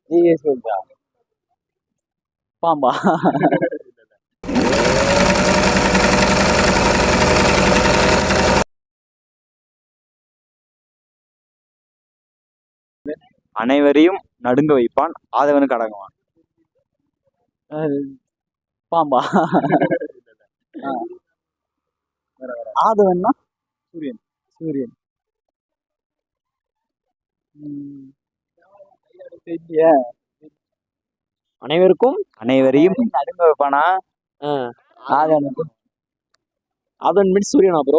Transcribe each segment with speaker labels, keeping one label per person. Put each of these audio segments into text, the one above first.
Speaker 1: நீங்க சொல்றா பாம்பா?
Speaker 2: அனைவரையும் நடுங்க வைப்பான், ஆதவனுக்கு அடங்குவான்.
Speaker 1: பாம்பா? ஆதவன்னா
Speaker 2: சூரியன்.
Speaker 1: சூரியன். தெரியலையே.
Speaker 3: அனைவருக்கும்
Speaker 2: அனைவரையும் நடுங்க வைப்பானா?
Speaker 1: ஆதவனுக்கு
Speaker 3: அதன் மீன்ஸ் சூரியனா ப்ரோ?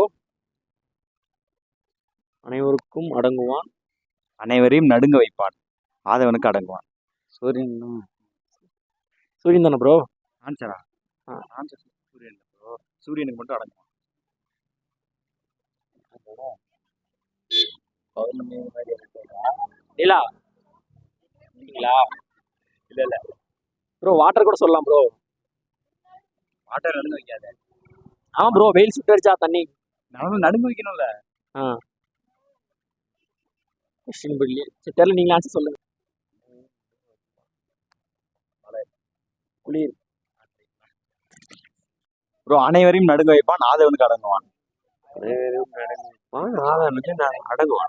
Speaker 3: அனைவருக்கும் அடங்குவான்,
Speaker 2: அனைவரையும் நடுங்க வைப்பான், ஆதவனுக்கு அடங்குவான்.
Speaker 1: சூரியன்
Speaker 3: சூரியன் தானே ப்ரோ?
Speaker 2: ஆன்சரா? ஆன்சர் சூரியன் bro. சூரியனுக்கு மட்டும் அடங்குவான்.
Speaker 1: பௌர்ணமி மாதிரி இருக்குதா?
Speaker 3: இல்லா இல்லைங்களா? இல்ல ப்ரோ, வாட்டர் கூட சொல்லலாம் ப்ரோ.
Speaker 2: வாட்டர் நடுங்க வைக்காத.
Speaker 3: ஆமா ப்ரோ, வெயில் சுட்டரிச்சா தண்ணி
Speaker 2: நடுங்க வைக்கணும்ல.
Speaker 3: கொஸ்டின் புரியல. சரி தெரியல, நீங்க ஆன்சர் சொல்லுங்க. குளிர்.
Speaker 2: ப்ரோ, அனைவரையும் நடுங்க வைப்பான், ஆதவனுக்கு அடங்குவான்.
Speaker 1: ஆதவனுக்கு அடங்குவான்.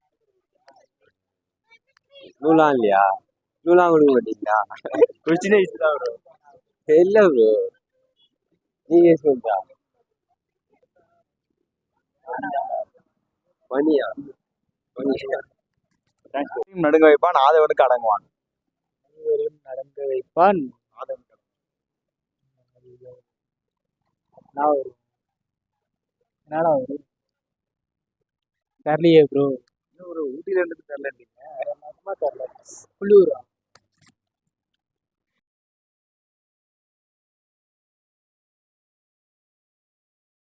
Speaker 1: நூலாம் இல்லையா? நூலாம் கொடுக்க மாட்டீங்களா?
Speaker 2: கொஸ்டினே இதுதான் bro.
Speaker 1: இல்ல ப்ரோ, நீங்க சொல்றா பனியா?
Speaker 2: நடுங்க வைப்பான், ஆதவனுக்கு அடங்குவான்.
Speaker 1: நடந்து வைப்பான். என்னடா வரும்? தெரியலையே ப்ரோ.
Speaker 2: ஒரு ஊட்டில இருந்து தெரியல.
Speaker 1: குளிரா?